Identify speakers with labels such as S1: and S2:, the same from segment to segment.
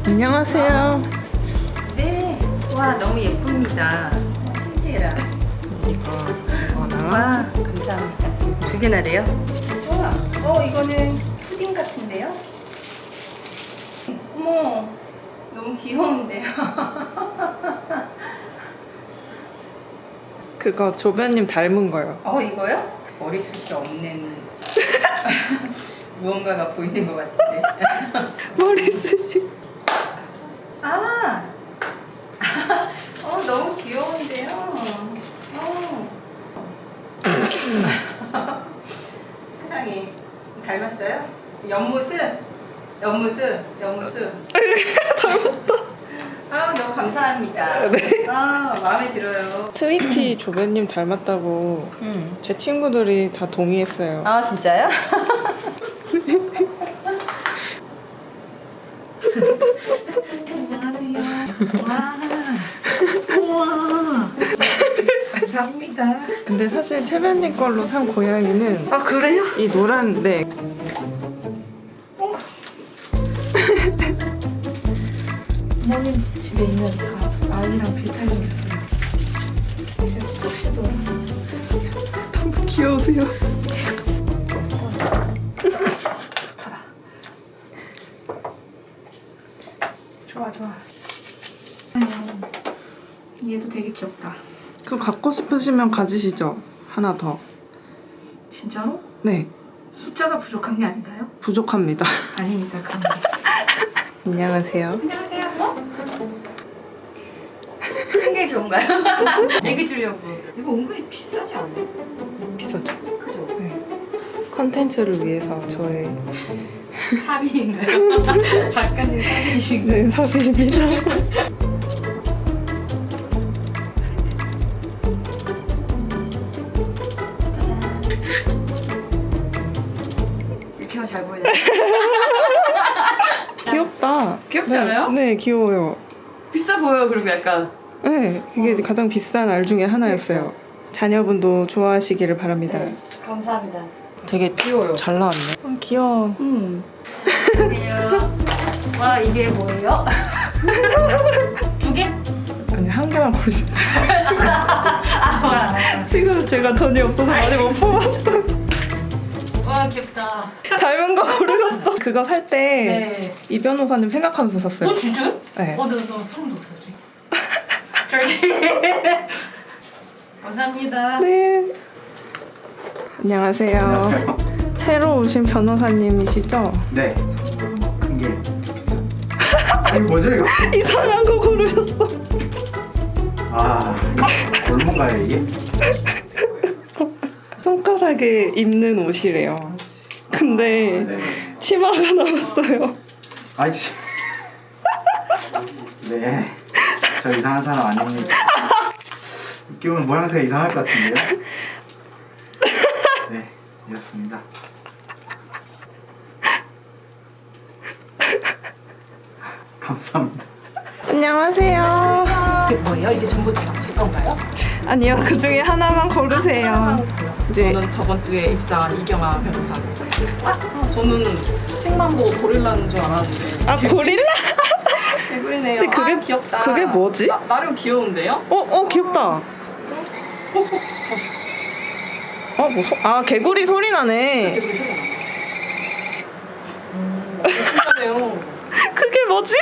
S1: 안녕하세요.
S2: 네. 와, 너무 예쁩니다. 신기해라.
S1: 이거나
S2: 와, 감사합니다. 두 개나 돼요? 와, 이거는 푸딩 같은데요? 어머, 너무 귀여운데요?
S1: 그거 조변님 닮은 거요.
S2: 이거요? 머리숱이 없는 무언가가 보이는 것 같은데.
S1: 머리숱이.
S2: 너무 귀여운데요? 세상에, 닮았어요? 옆모습?
S1: 닮았다.
S2: 너무 감사합니다.
S1: 네.
S2: 마음에 들어요.
S1: 트위티 조변님 닮았다고 제 친구들이 다 동의했어요.
S2: 진짜요? 안녕하세요. 우와. 감사합니다.
S1: 근데 사실 채변님 걸로 산 고양이는
S2: 그래요?
S1: 이 노란 네.
S2: 부모님 집에 있는 아이랑 비슷하게 생겼어요. 혹시도
S1: 너무 귀여우세요.
S2: 좋아. 얘도 되게 귀엽다.
S1: 그거 갖고 싶으시면 가지시죠. 하나 더.
S2: 진짜로?
S1: 네,
S2: 숫자가 부족한 게 아닌가요?
S1: 부족합니다.
S2: 아닙니다. 그럼.
S1: 안녕하세요.
S2: 안녕하세요. 큰 게 좋은가요? 애기 주려고. 이거 은근히 비싸지 않아요?
S1: 비싸죠?
S2: 그죠?
S1: 네. 컨텐츠를 위해서 저의
S2: 사비인가요? 작가님 사비이신가요?
S1: 네, 사비입니다.
S2: 이렇게 하면 잘 보여요.
S1: 귀엽다.
S2: 귀엽지 않아요?
S1: 네, 귀여워요.
S2: 비싸 보여요. 그리고 약간.
S1: 네, 그게 가장 비싼 알 중에 하나였어요. 자녀분도 좋아하시기를 바랍니다.
S2: 감사합니다.
S1: 되게
S2: 귀여워요.
S1: 잘 나왔네. 귀여워.
S2: 안녕하세요. 와, 이게 뭐예요? 두 개?
S1: 아니, 한 개만 고르시.
S2: 뭐야.
S1: 지금 제가 돈이 없어서 많이 못 뽑았어요.
S2: 와, 귀엽다.
S1: 닮은 거 고르셨어. 그거 살 때
S2: 네.
S1: 이 변호사님 생각하면서 샀어요.
S2: 진짜요?
S1: 네.
S2: 너 소름 돋았어. 감사합니다.
S1: 네. 안녕하세요. 새로 오신 변호사님이시죠?
S3: 네. 큰 게. 아니 뭐죠 이거?
S1: 이상한 거 고르셨어.
S3: 얼마인가요 이게?
S1: 손가락에 입는 옷이래요. 근데
S3: 네.
S1: 치마가 나왔어요.
S3: 아이씨. 네. 저 이상한 사람 아닙니다. 끼우면 모양새가 이상할 것 같은데요? 네, 이렇습니다. 감사합니다.
S1: 안녕하세요.
S4: 이게 뭐예요? 이게 전부 제 건가요?
S1: 아니요, 그 중에 하나만 고르세요. 이제
S4: 저는 저번 주에 입사한 이경아 변호사입니다. 저는 책만 보고 고릴라인 줄 알았는데
S1: 고릴라?
S4: 개구리네요.
S1: 근데 그게
S4: 귀엽다.
S1: 그게 뭐지?
S4: 나름 귀여운데요?
S1: 귀엽다. 개구리 소리 나네.
S4: 개구리 소리가 나요. 신기하네요.
S1: 그게 뭐지?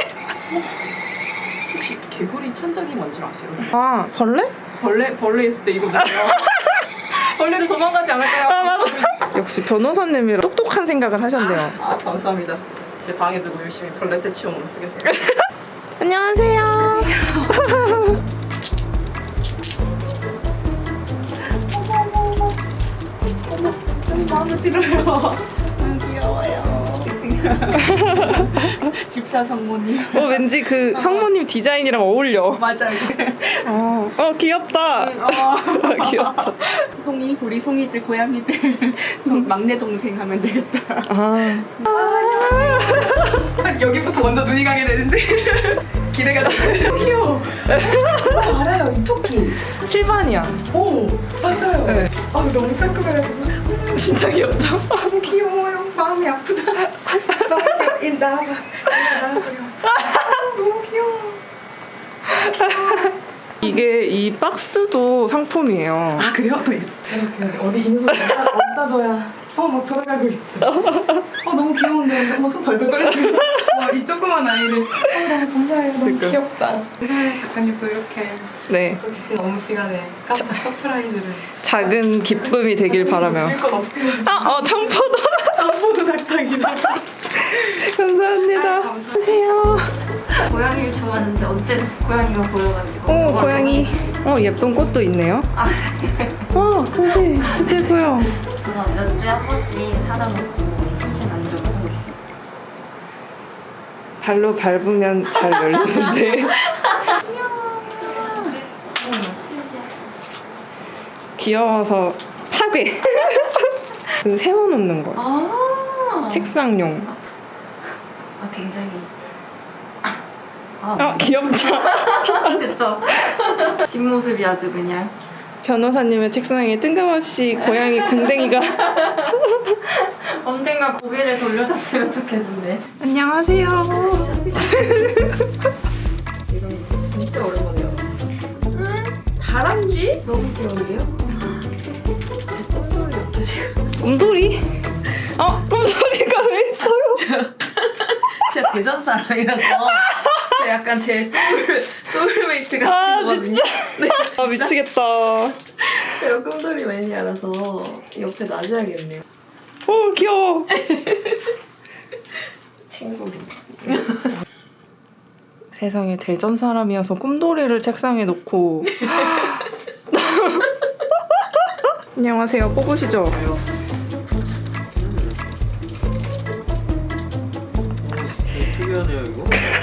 S4: 혹시 개구리 천적이 뭔 줄 아세요?
S1: 벌레?
S4: 벌레 있을 때 이거 뭐예요? 벌레도 도망가지 않을까요?
S1: 맞아. 역시 변호사님이 똑똑한 생각을 하셨네요.
S4: 감사합니다. 제 방에 두고 열심히 벌레 퇴치용으로 쓰겠습니다.
S1: 안녕하세요.
S4: 마음에 들어요. 귀여워요. 집사 성모님.
S1: 왠지 그 성모님 디자인이랑 어울려.
S4: 맞아요.
S1: 귀엽다. 귀엽다.
S4: 우리 송이들 고양이들 막내 동생 하면 되겠다. 여기부터 먼저 눈이 가게 되는데 기대가 되네. 귀여워. 알아요, 이 토끼.
S1: 실반이야.
S4: 오, 맞아요.
S1: 네.
S4: 너무 깔끔해가지고
S1: 진짜 귀엽죠?
S4: 너무 귀여워요. 마음이 아프다. 너무 귀여워. 나와봐. 나와봐요.
S1: 이게 이 박스도 상품이에요.
S4: 아 그래요? 또 어디 있는 손 어디다 둬야 막 돌아가고 있어. 너무 귀여운데 손 덜덜 떨리고. 이 조그만 아이를 너무 감사해요. 너무
S1: 그러니까.
S4: 귀엽다. 작가님도 이렇게
S1: 네,
S4: 또 지친 업무 시간에 깜짝 서프라이즈를.
S1: 작은 기쁨이 되길 바라며.
S4: 줄건 없지만
S1: 청포도.
S4: 전보도 작당이네.
S1: 감사합니다. 안녕하세요.
S5: 고양이를 좋아하는데 언제 고양이가 보여가지고
S1: 오, 고양이. 예쁜 꽃도 있네요. 와, 그지? 진짜 예뻐요.
S5: 그래서 몇 주에 한 번씩 사다 놓고 심신 안정을 하고 있어요.
S1: 발로 밟으면 잘 열리는데. 귀여워서 파괴. 그 세워놓는 거.
S5: 아,
S1: 책상용.
S5: 굉장히
S1: 귀엽다.
S5: 그쵸? 뒷모습이 아주 그냥
S1: 변호사님의 책상에 뜬금없이 고양이 궁뎅이가.
S5: 언젠가 고개를 돌려줬으면 좋겠는데.
S1: 안녕하세요.
S4: 진짜 오랜만이야. 다람쥐? 너무 귀여운데요? 꼼돌이 없다 지금.
S1: 꿈돌이? 꿈돌이가 왜 있어요?
S4: 제가 대전 사람이라서 제가 약간 제 소울메이트 같은 거거든요.
S1: 진짜? 미치겠다.
S4: 제가 꿈돌이 매니아라서 옆에 놔줘야겠네요.
S1: 귀여워.
S4: 친구로.
S1: 세상에 대전 사람이어서 꿈돌이를 책상에 놓고. 안녕하세요. 뽑으시죠?
S6: 특이하네요 이거.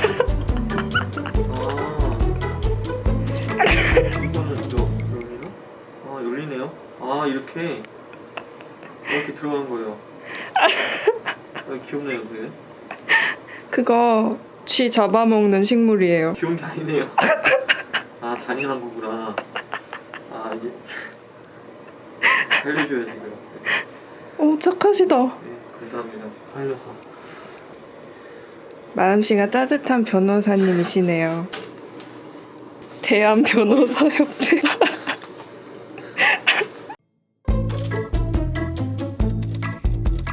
S6: 이거는 또 열리나? 열리네요. 이렇게 들어가는 거예요. 귀엽네요 그게.
S1: 그거 쥐 잡아먹는 식물이에요.
S6: 귀여운 게 아니네요. 잔인한 거구나. 이게 살려줘야지 그럼.
S1: 착하시다.
S6: 네, 감사합니다. 살려서.
S1: 마음씨가 따뜻한 변호사님이시네요. 대한 변호사협회.